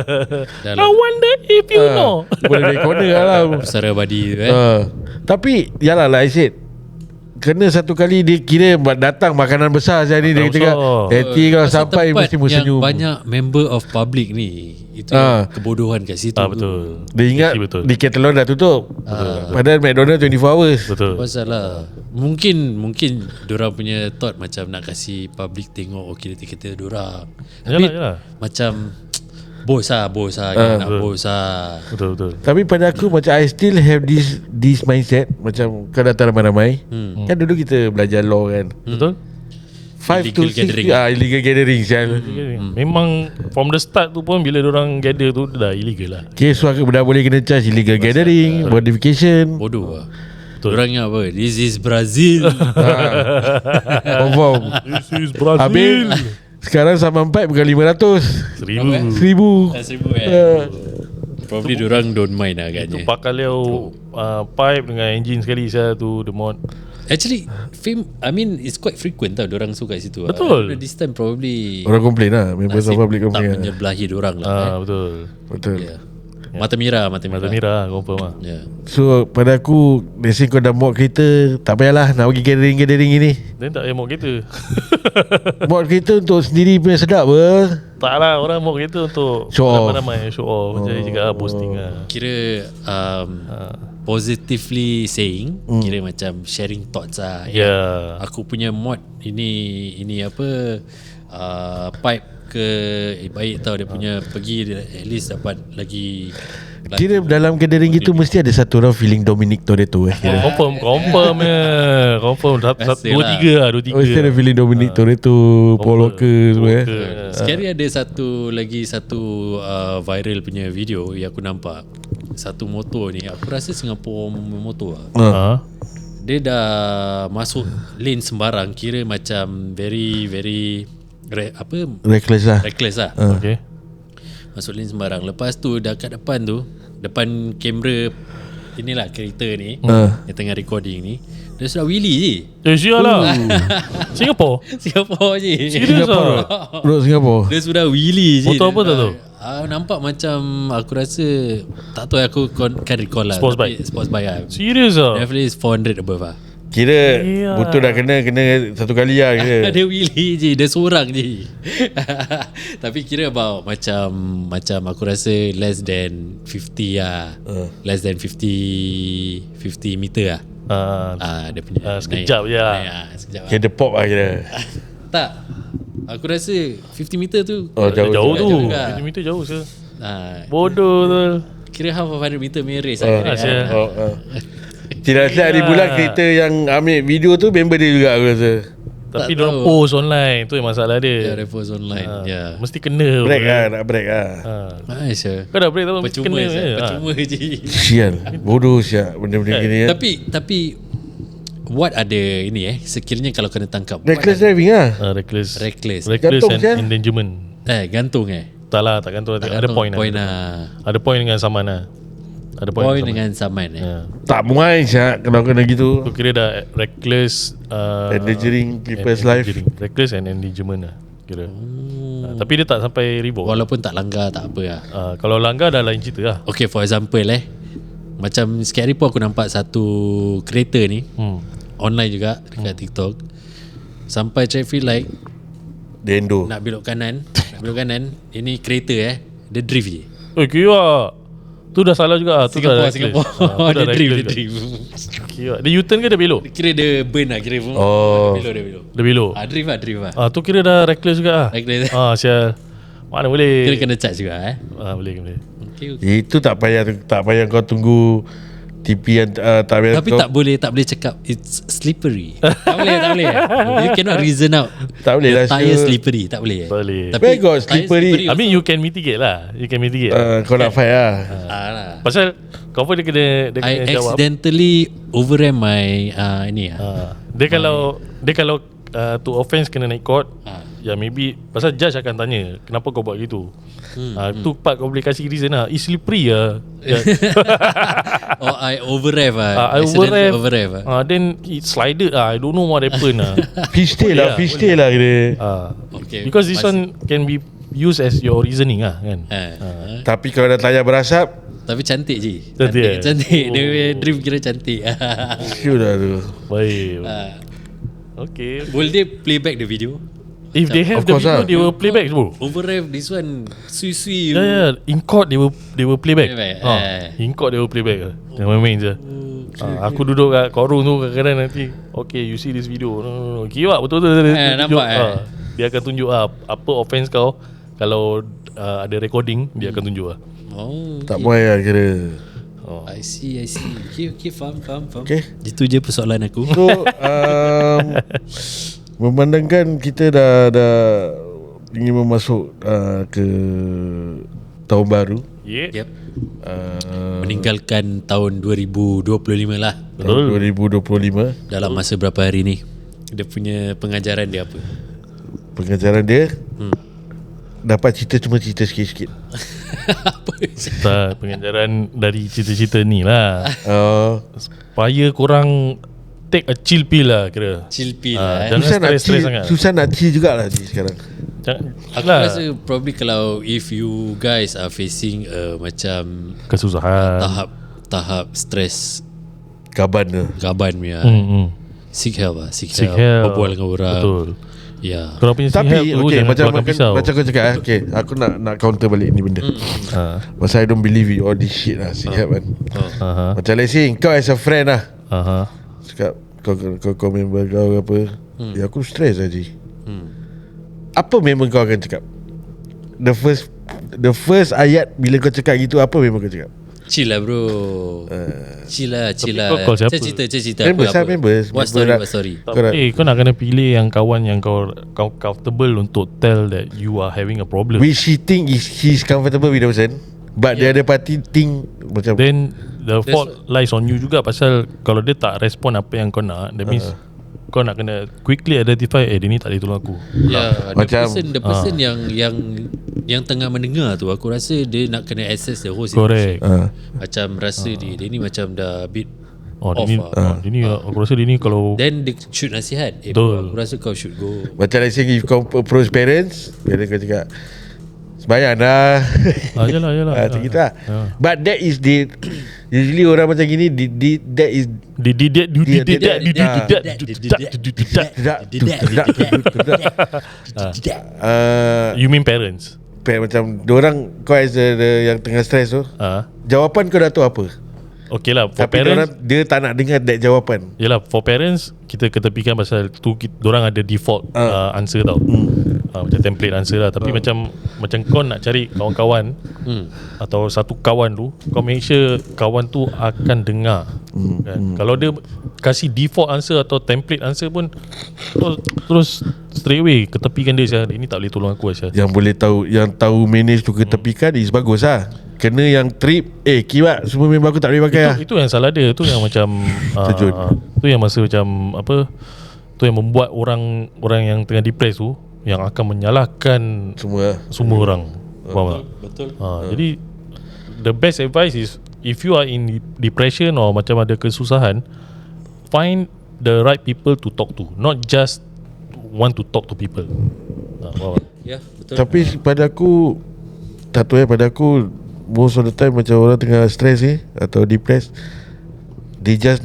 [SPEAKER 2] I
[SPEAKER 1] Dalam
[SPEAKER 2] wonder if you
[SPEAKER 3] Ah,
[SPEAKER 2] know.
[SPEAKER 3] Boleh naik corner lah.
[SPEAKER 1] pusara badi tu eh.
[SPEAKER 3] Uh. Tapi yalah lah I said kena satu kali dia kira datang makanan besar saya ni dia
[SPEAKER 2] Makanan
[SPEAKER 3] cakap
[SPEAKER 2] besar.
[SPEAKER 3] nanti kalau
[SPEAKER 1] Pasal
[SPEAKER 3] sampai
[SPEAKER 1] tempat
[SPEAKER 3] mesti mu
[SPEAKER 1] yang
[SPEAKER 3] senyum.
[SPEAKER 1] banyak member of public ni, itu
[SPEAKER 3] Ah.
[SPEAKER 1] yang kebodohan kat situ.
[SPEAKER 2] Ah betul.
[SPEAKER 3] Dia ingat
[SPEAKER 2] Betul, betul.
[SPEAKER 3] di Catalan dah tutup.
[SPEAKER 1] Ah.
[SPEAKER 3] Padahal McDonald twenty four hours.
[SPEAKER 2] Betul.
[SPEAKER 1] Pasal lah Mungkin Mungkin diorang punya thought macam nak kasi public tengok okay kereta diorang.
[SPEAKER 2] Yalah,
[SPEAKER 1] Tapi
[SPEAKER 2] yalah.
[SPEAKER 1] macam bos lah Bos lah
[SPEAKER 3] Ah.
[SPEAKER 1] Nak
[SPEAKER 2] Betul.
[SPEAKER 1] bos lah.
[SPEAKER 2] Betul betul.
[SPEAKER 3] Tapi pada aku macam I still have this this mindset macam kau datang ramai-ramai.
[SPEAKER 1] Hmm.
[SPEAKER 3] Kan dulu kita belajar law kan.
[SPEAKER 2] Betul?
[SPEAKER 3] five to
[SPEAKER 1] illegal
[SPEAKER 3] six
[SPEAKER 1] gathering.
[SPEAKER 3] ah, illegal gathering sial.
[SPEAKER 2] Hmm. Memang from the start tu pun bila orang gather tu dah illegal lah.
[SPEAKER 3] Okay, so aku dah boleh kena charge illegal gathering, modification.
[SPEAKER 1] Bodoh lah. Orang ingat apa? This is Brazil.
[SPEAKER 3] Confirm.
[SPEAKER 2] This is Brazil.
[SPEAKER 3] Habis sekarang saman pipe bukan lima ratus,
[SPEAKER 2] Seribu.
[SPEAKER 3] seribu.
[SPEAKER 1] Seribu eh.
[SPEAKER 3] Uh,
[SPEAKER 1] Probably diorang don't mind lah
[SPEAKER 2] Itu
[SPEAKER 1] agaknya.
[SPEAKER 2] pakai leo uh, pipe dengan engine sekali saya tu the mod.
[SPEAKER 1] Actually, film, I mean, it's quite frequent tau diorang suka kat situ.
[SPEAKER 2] Betul.
[SPEAKER 1] Uh, this time probably
[SPEAKER 3] orang komplain lah, members of
[SPEAKER 1] nasib
[SPEAKER 3] public
[SPEAKER 1] tak
[SPEAKER 3] komplain lah.
[SPEAKER 1] menyebelahi diorang lah.
[SPEAKER 2] Ah
[SPEAKER 1] eh.
[SPEAKER 2] betul.
[SPEAKER 3] Betul.
[SPEAKER 1] Yeah. Mata merah, mata merah.
[SPEAKER 2] Mata merah confirm lah.
[SPEAKER 1] Yeah.
[SPEAKER 3] So pada aku, let's say kau dah mod kereta, tak payahlah nak pergi gathering-gathering ini.
[SPEAKER 2] Dan tak payah mod kereta.
[SPEAKER 3] Mod kereta untuk sendiri punya sedap ber.
[SPEAKER 2] Tak lah, orang mod kereta untuk
[SPEAKER 3] Show off.
[SPEAKER 2] ramai-ramai show off. Macam cakap lah, posting lah.
[SPEAKER 1] Kira um,
[SPEAKER 2] Ah.
[SPEAKER 1] positively saying,
[SPEAKER 3] Hmm.
[SPEAKER 1] kira macam sharing thoughts lah.
[SPEAKER 2] Ya. Yeah.
[SPEAKER 1] Aku punya mod ini ini apa uh, pipe ke eh, baik tau dia punya pergi dia at least dapat lagi, lagi
[SPEAKER 3] Kira dalam gathering gitu mesti ada satu orang feeling Dominic Toretto eh. Kira.
[SPEAKER 2] Confirm, confirm ya. Confirm. Satu, satu,
[SPEAKER 1] Biasalah.
[SPEAKER 2] dua tiga lah, dua tiga.
[SPEAKER 3] Oh, mesti ada feeling Dominic Toretto, Paul Walker semua eh.
[SPEAKER 1] Sekali ada satu lagi satu uh, viral punya video yang aku nampak. Satu motor ni, aku rasa Singapore motor lah.
[SPEAKER 3] Ha.
[SPEAKER 2] Ha?
[SPEAKER 1] Dia dah masuk lane sembarang, kira macam very very re, apa
[SPEAKER 3] Reckless lah.
[SPEAKER 1] reckless lah.
[SPEAKER 2] Okay.
[SPEAKER 1] Masuk lane sembarang. Lepas tu dekat depan tu, depan kamera inilah kereta ni
[SPEAKER 3] Ha.
[SPEAKER 1] yang tengah recording ni, dia sudah wheelie je.
[SPEAKER 2] Eh, sial lah. Singapore?
[SPEAKER 1] Singapore je.
[SPEAKER 2] Serius lah?
[SPEAKER 3] Road Singapore.
[SPEAKER 1] Dia sudah wheelie je.
[SPEAKER 2] Motor apa tak tahu?
[SPEAKER 1] Ah, nampak macam aku rasa tak tahu aku kon- kan recall lah.
[SPEAKER 2] Sports
[SPEAKER 1] tapi
[SPEAKER 2] bike?
[SPEAKER 1] Sports bike lah.
[SPEAKER 2] Serius lah?
[SPEAKER 1] Definitely is four hundred above lah.
[SPEAKER 3] Kira
[SPEAKER 2] Ya.
[SPEAKER 3] betul dah kena kena satu kali lah kira.
[SPEAKER 1] Dia wheelie je, dia seorang je. Tapi kira about macam macam aku rasa less than fifty lah.
[SPEAKER 3] Uh.
[SPEAKER 1] Less than fifty fifty meter lah.
[SPEAKER 2] Ah,
[SPEAKER 1] Ah, dia punya
[SPEAKER 2] Ah, sekejap
[SPEAKER 1] naik,
[SPEAKER 2] je lah.
[SPEAKER 1] naik, ah, sekejap lah.
[SPEAKER 3] Kira the pop lah kira.
[SPEAKER 1] Tak. Aku rasa fifty meter tu
[SPEAKER 3] Oh, jauh,
[SPEAKER 2] jauh tu.
[SPEAKER 1] jauh juga.
[SPEAKER 2] tujuh meter jauh sah.
[SPEAKER 1] ah,
[SPEAKER 2] Bodoh tu.
[SPEAKER 1] Kira half of one hundred meter punya race
[SPEAKER 3] Oh,
[SPEAKER 1] lah.
[SPEAKER 2] Ah, sial.
[SPEAKER 3] oh, oh. Tidak silap hari bulan kereta yang ambil video tu member dia juga aku rasa.
[SPEAKER 2] Tapi
[SPEAKER 1] Tak
[SPEAKER 2] dia
[SPEAKER 1] tahu.
[SPEAKER 2] post online. Tu yang masalah
[SPEAKER 1] Ya,
[SPEAKER 2] dia.
[SPEAKER 1] repost online.
[SPEAKER 2] Ah,
[SPEAKER 1] Ya.
[SPEAKER 2] Mesti kena.
[SPEAKER 3] Break
[SPEAKER 2] bro.
[SPEAKER 3] lah, nak break lah.
[SPEAKER 2] Ah.
[SPEAKER 1] Nice ya.
[SPEAKER 2] Kau dah break tak? Mesti
[SPEAKER 1] Percuma
[SPEAKER 2] kena.
[SPEAKER 1] je.
[SPEAKER 2] je.
[SPEAKER 1] Percuma je.
[SPEAKER 3] Sial. Bodoh siap benda-benda
[SPEAKER 2] Eh,
[SPEAKER 3] gini ya.
[SPEAKER 1] Tapi tapi what ada ini eh sekiranya kalau kena tangkap. what
[SPEAKER 3] Reckless
[SPEAKER 1] ada-
[SPEAKER 3] driving lah.
[SPEAKER 2] Ah, reckless.
[SPEAKER 1] Reckless.
[SPEAKER 2] Reckless
[SPEAKER 3] Gantung,
[SPEAKER 2] and
[SPEAKER 3] sial.
[SPEAKER 2] endangerment.
[SPEAKER 1] Eh gantung eh.
[SPEAKER 2] Tak lah, tak gantung. Ada
[SPEAKER 1] Gantung,
[SPEAKER 2] point,
[SPEAKER 1] point
[SPEAKER 2] lah.
[SPEAKER 1] lah.
[SPEAKER 2] Ada point dengan saman lah. Ada point,
[SPEAKER 1] Point
[SPEAKER 2] dengan
[SPEAKER 1] dengan saman eh.
[SPEAKER 2] saman. Ya.
[SPEAKER 3] Tak muai siap kalau kena gitu.
[SPEAKER 2] Tu kira dah reckless uh,
[SPEAKER 3] Endangering people's
[SPEAKER 2] and-
[SPEAKER 3] life.
[SPEAKER 2] endangering. Reckless and endangerment lah kira.
[SPEAKER 1] Hmm.
[SPEAKER 2] Ah, tapi dia tak sampai revoke.
[SPEAKER 1] Walaupun tak langgar tak apa lah.
[SPEAKER 2] Ah, kalau langgar dah lain cerita lah.
[SPEAKER 1] Okay, for example eh, macam sikit hari pun aku nampak satu kereta ni
[SPEAKER 2] Hmm.
[SPEAKER 1] online juga dekat
[SPEAKER 2] Hmm.
[SPEAKER 1] TikTok. Sampai traffic light
[SPEAKER 3] Dendo.
[SPEAKER 1] nak belok kanan, nak belok kanan, ini kereta eh, dia drift je.
[SPEAKER 2] Eh kira tu dah salah juga. Tu
[SPEAKER 1] Singapore,
[SPEAKER 2] dah reckless.
[SPEAKER 1] Singapore.
[SPEAKER 2] Ah, tu
[SPEAKER 1] dia
[SPEAKER 2] dah
[SPEAKER 1] drift, dia
[SPEAKER 2] reckless
[SPEAKER 1] drift.
[SPEAKER 2] juga. Kira dia U-turn ke dia belok?
[SPEAKER 1] Kira dia burn lah, kira
[SPEAKER 3] Oh.
[SPEAKER 1] dia belok, dia belok.
[SPEAKER 2] Dia belok.
[SPEAKER 1] Ah, drift lah, drift lah.
[SPEAKER 2] Ah tu kira dah reckless juga ah.
[SPEAKER 1] Reckless.
[SPEAKER 2] Ah sial. Mana boleh.
[SPEAKER 1] Kira kena charge juga eh.
[SPEAKER 2] Ah boleh boleh.
[SPEAKER 1] Okay, okay.
[SPEAKER 3] Itu tak payah tak payah kau tunggu T P yang uh, tak payah
[SPEAKER 1] Tapi
[SPEAKER 3] kau,
[SPEAKER 1] tak boleh tak boleh cakap it's slippery. tak boleh, tak boleh. You cannot reason out.
[SPEAKER 3] Tak boleh
[SPEAKER 1] the
[SPEAKER 3] lah,
[SPEAKER 1] tire
[SPEAKER 3] sure.
[SPEAKER 1] slippery, tak boleh.
[SPEAKER 2] Tak boleh.
[SPEAKER 3] Where got
[SPEAKER 1] tire
[SPEAKER 3] slippery?
[SPEAKER 2] I mean you can mitigate lah. You can mitigate.
[SPEAKER 3] uh, kau nak fight lah.
[SPEAKER 1] Ah lah.
[SPEAKER 2] Pasal kau pun dia kena dia
[SPEAKER 1] I
[SPEAKER 2] kena jawab.
[SPEAKER 1] accidentally overram my uh, ini ah.
[SPEAKER 2] Ah, dia kalau dia kalau uh, to offence kena naik court.
[SPEAKER 1] Ah.
[SPEAKER 2] Ya maybe pasal judge akan tanya kenapa kau buat gitu.
[SPEAKER 1] Hmm,
[SPEAKER 2] Ah tu part kau boleh kasih reason lah. It's slippery lah.
[SPEAKER 1] Oh, I overrev ah.
[SPEAKER 2] Ah, I
[SPEAKER 1] Accidentally
[SPEAKER 2] overrev.
[SPEAKER 1] overrev ah.
[SPEAKER 2] Ah then it slided ah. I don't know what happened ah.
[SPEAKER 3] Fishtail
[SPEAKER 2] Boleh
[SPEAKER 3] lah,
[SPEAKER 2] lah,
[SPEAKER 3] fishtail lah kira.
[SPEAKER 2] Ah.
[SPEAKER 1] Okay.
[SPEAKER 2] Because this
[SPEAKER 1] Mas-
[SPEAKER 2] one can be used as your reasoning ah kan.
[SPEAKER 1] Eh.
[SPEAKER 3] Tapi kalau dah tayar berasap,
[SPEAKER 1] Tapi cantik je.
[SPEAKER 2] Cantik, eh?
[SPEAKER 1] Cantik. Dia
[SPEAKER 2] Oh.
[SPEAKER 1] punya dream kira cantik.
[SPEAKER 3] sure dah tu.
[SPEAKER 2] Baik.
[SPEAKER 1] Ah.
[SPEAKER 2] Okay.
[SPEAKER 1] Will they play back the video?
[SPEAKER 2] If they have
[SPEAKER 3] Of
[SPEAKER 2] the
[SPEAKER 3] course
[SPEAKER 2] video,
[SPEAKER 3] lah.
[SPEAKER 2] they will play back bro.
[SPEAKER 1] Overrev this one sui-sui.
[SPEAKER 2] Yeah, yeah. In court they will they will play back.
[SPEAKER 1] Play back,
[SPEAKER 2] Ah,
[SPEAKER 1] eh.
[SPEAKER 2] in court they will play back. lah. Jangan main-main je. Ah, aku duduk kat courtroom tu kadang-kadang nanti. Okay, you see this video. No, no, no. Kira betul-betul.
[SPEAKER 1] Eh, nampak, eh?
[SPEAKER 2] Ah, dia akan tunjuk ah, apa offence kau. Kalau uh, ada recording, dia akan tunjuk ah.
[SPEAKER 1] Oh.
[SPEAKER 3] Tak boleh lah kira.
[SPEAKER 2] Oh.
[SPEAKER 1] I see, I see. Okay, okay, faham, faham, faham.
[SPEAKER 3] Okay.
[SPEAKER 1] Itu je persoalan aku.
[SPEAKER 3] So um, memandangkan kita dah dah ingin memasuk uh, ke tahun baru.
[SPEAKER 2] Yeah.
[SPEAKER 1] Yep.
[SPEAKER 3] Uh,
[SPEAKER 1] Meninggalkan tahun dua ribu dua puluh lima lah.
[SPEAKER 3] tahun dua ribu dua puluh lima.
[SPEAKER 1] Dalam masa berapa hari ni? Dia punya pengajaran dia apa?
[SPEAKER 3] Pengajaran dia
[SPEAKER 1] Hmm.
[SPEAKER 3] dapat cerita cuma cerita sikit-sikit.
[SPEAKER 1] Apa?
[SPEAKER 2] Tak, pengajaran dari cerita-cerita ni lah.
[SPEAKER 3] Uh,
[SPEAKER 2] Supaya korang take a chill pill lah kira.
[SPEAKER 1] Chill pill
[SPEAKER 2] Ah,
[SPEAKER 1] lah. eh.
[SPEAKER 2] jangan
[SPEAKER 3] susah nak
[SPEAKER 2] stress-stress
[SPEAKER 3] chill,
[SPEAKER 2] sangat.
[SPEAKER 3] susah nak chill jugalah ni sekarang.
[SPEAKER 2] Jangan,
[SPEAKER 1] Aku
[SPEAKER 2] lah,
[SPEAKER 1] rasa probably kalau if you guys are facing a macam
[SPEAKER 2] kesusahan.
[SPEAKER 1] tahap tahap stres
[SPEAKER 3] Kaban tu.
[SPEAKER 1] gaban punya,
[SPEAKER 2] Hmm, hmm.
[SPEAKER 1] seek help lah, seek,
[SPEAKER 2] Seek
[SPEAKER 1] help,
[SPEAKER 2] help.
[SPEAKER 1] berbual dengan orang.
[SPEAKER 2] Betul.
[SPEAKER 1] Ya.
[SPEAKER 2] Korang punya seek
[SPEAKER 3] Tapi
[SPEAKER 2] help tu
[SPEAKER 3] okay,
[SPEAKER 2] jangan
[SPEAKER 3] macam
[SPEAKER 2] keluarkan
[SPEAKER 3] macam,
[SPEAKER 2] pisau.
[SPEAKER 3] macam kau cakap eh, okay, aku nak nak counter balik ni benda.
[SPEAKER 2] Ha.
[SPEAKER 3] Pasal I don't believe in all this shit lah, seek help kan.
[SPEAKER 2] Aha.
[SPEAKER 3] Macam let's say kau as a friend lah,
[SPEAKER 2] Aha.
[SPEAKER 3] cakap kau kau, kau member kau ke apa, ya aku stress aja.
[SPEAKER 1] Hmm.
[SPEAKER 3] Apa member kau akan cakap? The first the first ayat bila kau cakap gitu, apa member kau cakap?
[SPEAKER 1] Chill lah bro. Chill lah, chill lah.
[SPEAKER 2] kau call siapa?
[SPEAKER 1] Cerita, cerita, cerita
[SPEAKER 3] Members
[SPEAKER 1] apa,
[SPEAKER 3] lah,
[SPEAKER 1] apa.
[SPEAKER 3] members.
[SPEAKER 1] What
[SPEAKER 3] Member
[SPEAKER 1] story,
[SPEAKER 3] lah.
[SPEAKER 1] what story?
[SPEAKER 3] Correct.
[SPEAKER 2] Eh, kau nak kena pilih yang kawan yang kau kau comfortable untuk tell that you are having a problem.
[SPEAKER 3] Which he think is he's comfortable with the person, but yeah. the other party think macam
[SPEAKER 2] Then the fault lies on you juga, pasal kalau dia tak respon apa yang kau nak, that means uh. kau nak kena quickly identify, eh dia ni tak boleh tolong aku.
[SPEAKER 1] Ya, the
[SPEAKER 3] Macam-
[SPEAKER 1] person, the person yang yang yang tengah mendengar tu, aku rasa dia nak kena access the whole
[SPEAKER 2] Correct.
[SPEAKER 1] situation.
[SPEAKER 3] uh,
[SPEAKER 1] Macam rasa dia dia ni macam dah a bit
[SPEAKER 2] Oh, dia
[SPEAKER 1] off
[SPEAKER 2] ni,
[SPEAKER 1] lah.
[SPEAKER 2] oh, dia ni aku rasa dia ni kalau
[SPEAKER 1] Then dia shoot nasihat. Eh,
[SPEAKER 2] Betul.
[SPEAKER 1] aku rasa kau should go.
[SPEAKER 3] macam let's say if kau approach parents, parents kau cakap sembahyang dah.
[SPEAKER 2] ah, yalah yalah.
[SPEAKER 3] Ah, macam gitu lah.
[SPEAKER 2] Ah.
[SPEAKER 3] But that is the usually orang macam gini di, di, that is
[SPEAKER 2] Di di di di di di di di di di di
[SPEAKER 3] uh,
[SPEAKER 2] You mean parents?
[SPEAKER 3] macam diorang kau as the, the yang tengah stress tu,
[SPEAKER 2] Ah,
[SPEAKER 3] jawapan kau dah tahu apa,
[SPEAKER 2] okay lah. For
[SPEAKER 3] tapi diorang,
[SPEAKER 2] parents,
[SPEAKER 3] dia tak nak dengar that jawapan.
[SPEAKER 2] yelah, for parents kita ketepikan pasal tu kita, dorang ada default
[SPEAKER 3] Ah.
[SPEAKER 2] uh, answer tau. Uh, macam template answer lah. Tapi macam macam kau nak cari kawan-kawan
[SPEAKER 1] Hmm.
[SPEAKER 2] atau satu kawan tu, kau make sure kawan tu akan dengar. Kan? Kalau dia kasih default answer atau template answer pun, terus, terus straight away ketepikan dia, Syah. Ini tak boleh tolong aku, Syah.
[SPEAKER 3] Yang boleh tahu, yang tahu manage tu ketepikan is bagus lah. Kena yang trip, eh kiwat semua member aku tak boleh pakai lah.
[SPEAKER 2] Itu, itu yang salah dia. Itu yang macam
[SPEAKER 3] Terjun.
[SPEAKER 2] uh, Itu yang masa macam apa, tu yang membuat orang orang yang tengah depressed tu yang akan menyalahkan
[SPEAKER 3] Semua
[SPEAKER 2] semua orang. Faham tak?
[SPEAKER 1] Betul.
[SPEAKER 2] Ha, jadi the best advice is, if you are in depression or macam ada kesusahan, find the right people to talk to, not just want to talk to people. Ha, faham tak?
[SPEAKER 1] Ya, betul.
[SPEAKER 3] Tapi pada aku, tak tahu eh, pada aku most of the time macam orang tengah stress ni atau depressed, they just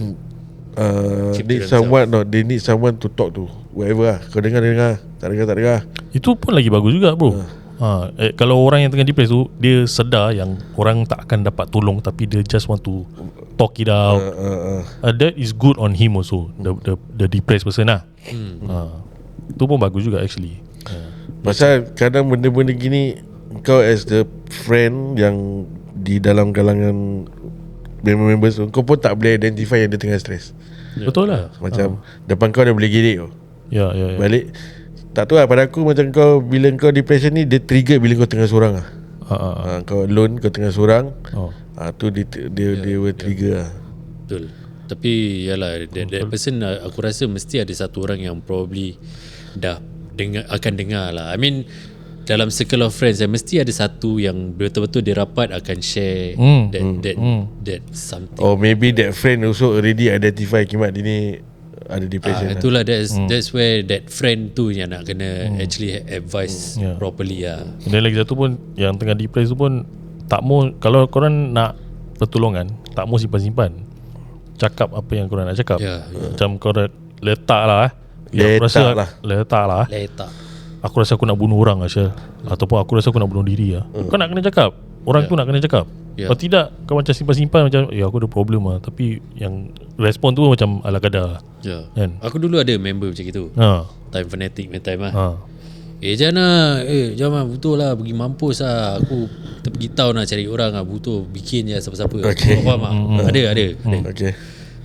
[SPEAKER 3] uh,
[SPEAKER 1] Keep to
[SPEAKER 3] need
[SPEAKER 1] themselves.
[SPEAKER 3] someone, no, they need someone to talk to. Whatever lah. Kau dengar, dengar. Tak dengar, tak dengar.
[SPEAKER 2] Itu pun lagi bagus juga, bro. Ha, eh, kalau orang yang tengah depressed tu, dia sedar yang orang tak akan dapat tolong, tapi dia just want to talk it out.
[SPEAKER 3] Uh, uh, uh.
[SPEAKER 2] Uh, that is good on him also, the the, the depressed person lah.
[SPEAKER 1] Hmm.
[SPEAKER 2] Ha, itu pun bagus juga actually. Ha.
[SPEAKER 3] Pasal kadang benda-benda gini, kau as the friend yang di dalam kalangan member-members tu, kau pun tak boleh identify yang dia tengah stress.
[SPEAKER 2] Betul lah.
[SPEAKER 3] Macam depan kau dia boleh gidik tu,
[SPEAKER 2] Ya, ya, ya.
[SPEAKER 3] balik. Tak tahu lah, pada aku macam kau, bila kau depression ni, dia trigger bila kau tengah seorang lah.
[SPEAKER 2] Ha, ha, ha.
[SPEAKER 3] ha, Kau alone, kau tengah seorang,
[SPEAKER 2] Oh.
[SPEAKER 3] ha, tu dia, dia, dia will trigger lah.
[SPEAKER 1] Betul. Tapi yalah, that, that person uh, aku rasa mesti ada satu orang yang probably dah dengar, akan dengar lah. I mean, dalam circle of friends, eh, mesti ada satu yang betul-betul dia rapat akan share
[SPEAKER 2] Hmm.
[SPEAKER 1] that that
[SPEAKER 2] Hmm.
[SPEAKER 1] that something.
[SPEAKER 3] Or maybe that friend also already identify kimat dia ni ada depression
[SPEAKER 1] Ah,
[SPEAKER 3] lah.
[SPEAKER 1] itulah that's hmm. that's where that friend tu yang nak kena hmm. actually advise
[SPEAKER 2] Yeah.
[SPEAKER 1] properly lah.
[SPEAKER 2] Dan lagi satu pun, yang tengah depressed tu pun tak mau, kalau korang nak pertolongan, tak mau simpan-simpan. Cakap apa yang korang nak cakap.
[SPEAKER 1] Ya, ya.
[SPEAKER 2] Macam korang letak lah eh. Ya, aku
[SPEAKER 3] Letak
[SPEAKER 2] rasa,
[SPEAKER 3] lah.
[SPEAKER 2] Letak lah eh.
[SPEAKER 1] Letak.
[SPEAKER 2] Aku rasa aku nak bunuh orang Asyal. Ataupun aku rasa aku nak bunuh diri lah. Kau nak kena cakap. Orang tu nak kena cakap.
[SPEAKER 1] Ya.
[SPEAKER 2] Kalau tidak, kau macam simpan-simpan macam, ya aku ada problem lah. Tapi yang respon tu macam ala kadar.
[SPEAKER 1] Ya.
[SPEAKER 2] Kan?
[SPEAKER 1] Aku dulu ada member macam itu.
[SPEAKER 2] Ha.
[SPEAKER 1] Time fanatic main time lah.
[SPEAKER 2] Ha.
[SPEAKER 1] Eh jangan Eh jangan betul lah, pergi mampus lah. Aku terpergi tahu nak cari orang lah, butuh bikin je siapa-siapa.
[SPEAKER 3] Okay.
[SPEAKER 1] Kau faham tak? Ada ada, ada.
[SPEAKER 3] Okay.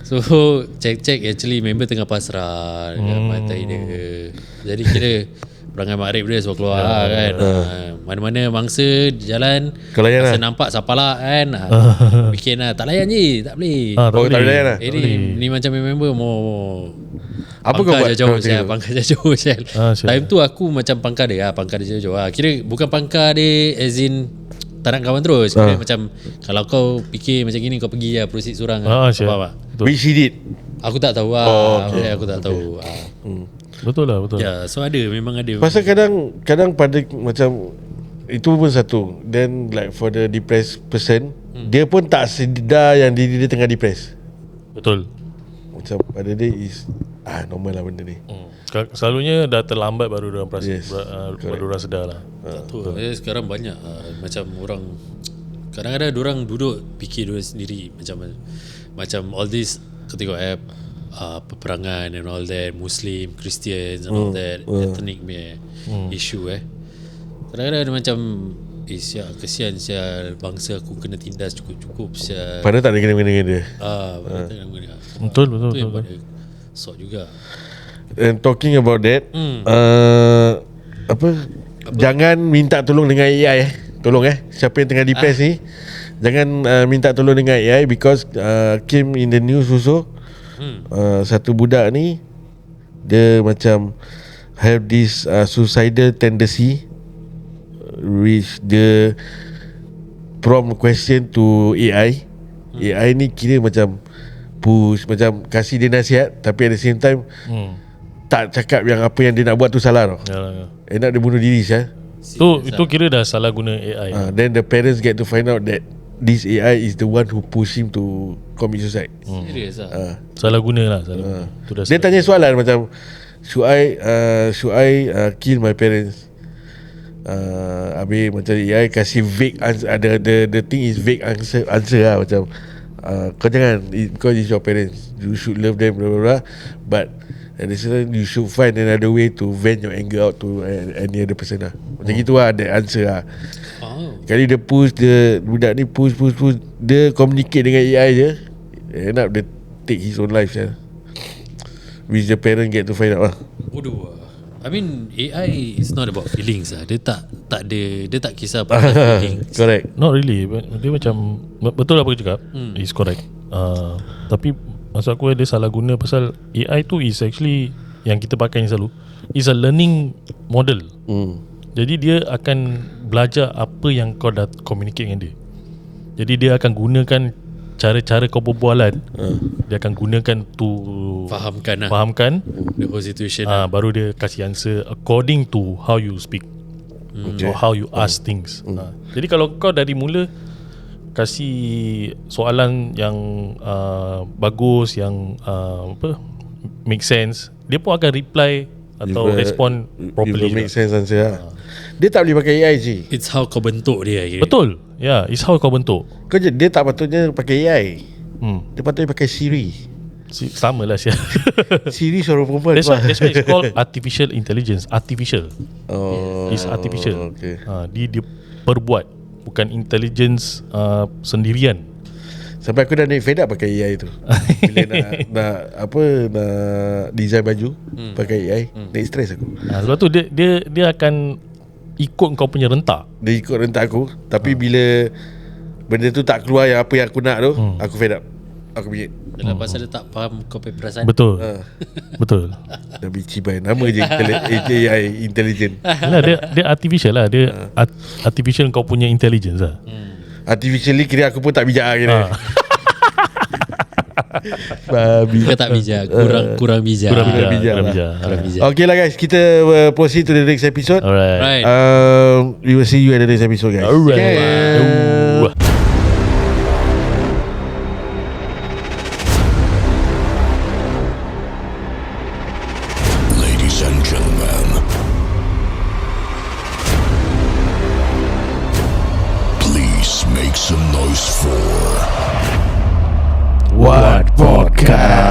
[SPEAKER 1] So check-check actually member tengah pasrah dekat
[SPEAKER 2] Hmm.
[SPEAKER 1] pantai dia. Jadi kira perangai makrib dia suruh keluar yeah. kan. Uh. Mana-mana mangsa jalan
[SPEAKER 3] Kau layan
[SPEAKER 1] masa
[SPEAKER 3] lah.
[SPEAKER 1] nampak siapa lah kan. Bikin lah tak layan je, tak boleh.
[SPEAKER 2] Ah, tak
[SPEAKER 3] Oh, tak
[SPEAKER 2] boleh.
[SPEAKER 3] layan lah.
[SPEAKER 1] Eh, ni, ni macam member mau
[SPEAKER 3] Apa kau buat?
[SPEAKER 1] jauh
[SPEAKER 3] Kau
[SPEAKER 1] saya
[SPEAKER 3] tengok.
[SPEAKER 1] pangkar jauh saya.
[SPEAKER 2] Ah, siap.
[SPEAKER 1] Time tu aku macam pangkar dia, ah, pangkar dia jauh. Ah, kira bukan pangkar dia as in tak nak kawan terus. Kira
[SPEAKER 3] Ah.
[SPEAKER 1] macam kalau kau fikir macam gini kau pergi lah proceed seorang.
[SPEAKER 2] Ah,
[SPEAKER 1] Ah,
[SPEAKER 2] siap.
[SPEAKER 1] faham tak?
[SPEAKER 2] Betul.
[SPEAKER 3] Which he did.
[SPEAKER 1] Aku tak tahu lah.
[SPEAKER 3] Oh,
[SPEAKER 1] Okay.
[SPEAKER 3] okay.
[SPEAKER 1] Aku tak tahu. Ah.
[SPEAKER 2] Betul lah, betul.
[SPEAKER 1] Ya, so ada memang ada.
[SPEAKER 3] Pasal kadang kadang pada macam itu pun satu. Then like for the depressed person, hmm. dia pun tak sedar yang diri dia tengah depressed.
[SPEAKER 2] Betul.
[SPEAKER 3] Macam pada dia is ah normal lah benda ni.
[SPEAKER 2] Hmm. Sel- Selalunya dah terlambat baru orang perasan,
[SPEAKER 3] Yes,
[SPEAKER 2] ber, uh,
[SPEAKER 3] correct.
[SPEAKER 2] baru orang sedar lah.
[SPEAKER 1] Tak tahu. Eh, sekarang banyak uh, macam orang kadang-kadang orang duduk fikir dia sendiri macam macam all this kau tengok app uh, peperangan and all that, Muslim, Christians and all that, ethnic punya issue eh. Kadang-kadang ada macam eh sial, kesian sial bangsa aku kena tindas cukup-cukup sial.
[SPEAKER 3] Padahal tak ada kena-kena dengan dia.
[SPEAKER 1] Ah, uh, tak kena.
[SPEAKER 2] Betul, betul,
[SPEAKER 1] Tu yang
[SPEAKER 2] betul.
[SPEAKER 1] pada sort juga.
[SPEAKER 3] And talking about that,
[SPEAKER 1] Hmm.
[SPEAKER 3] uh, apa, apa? Jangan minta tolong dengan A I eh. Tolong eh. Siapa yang tengah depressed ah. ni, jangan uh, minta tolong dengan A I because uh, came in the news also. Hmm. Uh, satu budak ni dia macam have this uh, suicidal tendency which the prompt question to A I. Hmm. A I ni kira macam push, macam kasih dia nasihat tapi at the same time
[SPEAKER 2] Hmm.
[SPEAKER 3] tak cakap yang apa yang dia nak buat tu salah tau.
[SPEAKER 2] Yalah, ya.
[SPEAKER 3] End up dia bunuh diri sah.
[SPEAKER 2] Tu itu kira dah salah guna A I.
[SPEAKER 3] Uh, then the parents get to find out that this A I is the one who push him to commit suicide.
[SPEAKER 1] Serius ah.
[SPEAKER 3] Uh,
[SPEAKER 2] Salah guna lah, salah guna. Tu dah
[SPEAKER 3] dia
[SPEAKER 2] salah.
[SPEAKER 3] tanya soalan macam should I uh, should I uh, kill my parents? Uh, habis macam A I kasih vague answer. The, the, the thing is vague answer, answer lah macam uh, kau jangan because it's your parents, you should love them blah blah blah, but at the same time you should find another way to vent your anger out to any other person lah. Macam hmm. gitu lah the answer lah.
[SPEAKER 1] Oh.
[SPEAKER 3] Kali dia push, dia budak ni push push push, dia communicate dengan A I je, end up dia take his own life ya. Which the parent get to find out lah.
[SPEAKER 1] Waduh. I mean A I is not about feelings lah. Dia tak tak ada, dia tak kisah pasal feelings.
[SPEAKER 3] Correct.
[SPEAKER 2] Not really. Dia macam betul apa kau cakap. Hmm. Is correct. Uh, tapi maksud aku dia salah guna pasal A I tu is actually yang kita pakai ni selalu is a learning model.
[SPEAKER 3] Hmm.
[SPEAKER 2] Jadi dia akan belajar apa yang kau dah communicate dengan dia. Jadi dia akan gunakan cara-cara kau berbualan. Uh. Dia akan gunakan tu
[SPEAKER 1] Fahamkan lah
[SPEAKER 2] fahamkan
[SPEAKER 1] the whole situation
[SPEAKER 2] ah
[SPEAKER 1] lah.
[SPEAKER 2] baru dia kasih answer according to how you speak.
[SPEAKER 3] Okay.
[SPEAKER 2] Or how you ask things.
[SPEAKER 3] Hmm.
[SPEAKER 2] Ha. Jadi kalau kau dari mula kasih soalan yang uh, bagus, yang uh, apa make sense, dia pun akan reply atau
[SPEAKER 3] If, uh,
[SPEAKER 2] respond properly
[SPEAKER 3] if make
[SPEAKER 2] juga.
[SPEAKER 3] sense answer lah. Dia tak boleh pakai A I je.
[SPEAKER 1] It's how kau bentuk dia kira.
[SPEAKER 2] Betul. Ya, yeah, it's how kau bentuk.
[SPEAKER 3] Kau je, dia tak patutnya pakai A I.
[SPEAKER 2] Hmm.
[SPEAKER 3] Dia patutnya pakai Siri.
[SPEAKER 2] Si, sama lah Syah.
[SPEAKER 3] Siri suara perempuan.
[SPEAKER 2] That's why, that's why it's called artificial intelligence. Artificial.
[SPEAKER 3] Oh,
[SPEAKER 2] It's artificial.
[SPEAKER 3] okay.
[SPEAKER 2] Ha, dia dia perbuat, bukan intelligence uh, sendirian.
[SPEAKER 3] Sampai aku dah naik fed up pakai A I tu. Bila nak, nak apa nak design baju hmm. pakai A I, hmm. naik stress aku.
[SPEAKER 2] Ha, sebab tu dia dia dia akan ikut kau punya rentak.
[SPEAKER 3] Dia ikut rentak aku, tapi bila benda tu tak keluar yang apa yang aku nak tu, hmm. aku fed up. Aku bingit.
[SPEAKER 1] Dalam pasal dia tak faham kau punya perasaan.
[SPEAKER 2] Betul.
[SPEAKER 3] Ha.
[SPEAKER 2] Betul.
[SPEAKER 3] Dah bici baik nama je A I intelligent.
[SPEAKER 2] Yalah, dia dia artificial lah. Dia art, artificial kau punya intelligence lah.
[SPEAKER 1] Hmm.
[SPEAKER 3] Artificially kira aku pun tak bijak lah kira.
[SPEAKER 2] Ha.
[SPEAKER 3] Babi.
[SPEAKER 1] Kau tak bijak, kurang kurang bijak.
[SPEAKER 2] Kurang bijak.
[SPEAKER 3] bijak
[SPEAKER 2] Kurang
[SPEAKER 3] lah.
[SPEAKER 2] bijak.
[SPEAKER 1] Kurang bijak.
[SPEAKER 3] Okay lah guys, kita uh, proceed to the next episode.
[SPEAKER 2] Alright.
[SPEAKER 1] Right.
[SPEAKER 3] Um, we will see you at the next episode guys.
[SPEAKER 2] Alright.
[SPEAKER 3] Okay.
[SPEAKER 2] Ooh.
[SPEAKER 4] Ladies and gentlemen, please make some noise for
[SPEAKER 3] What podcast?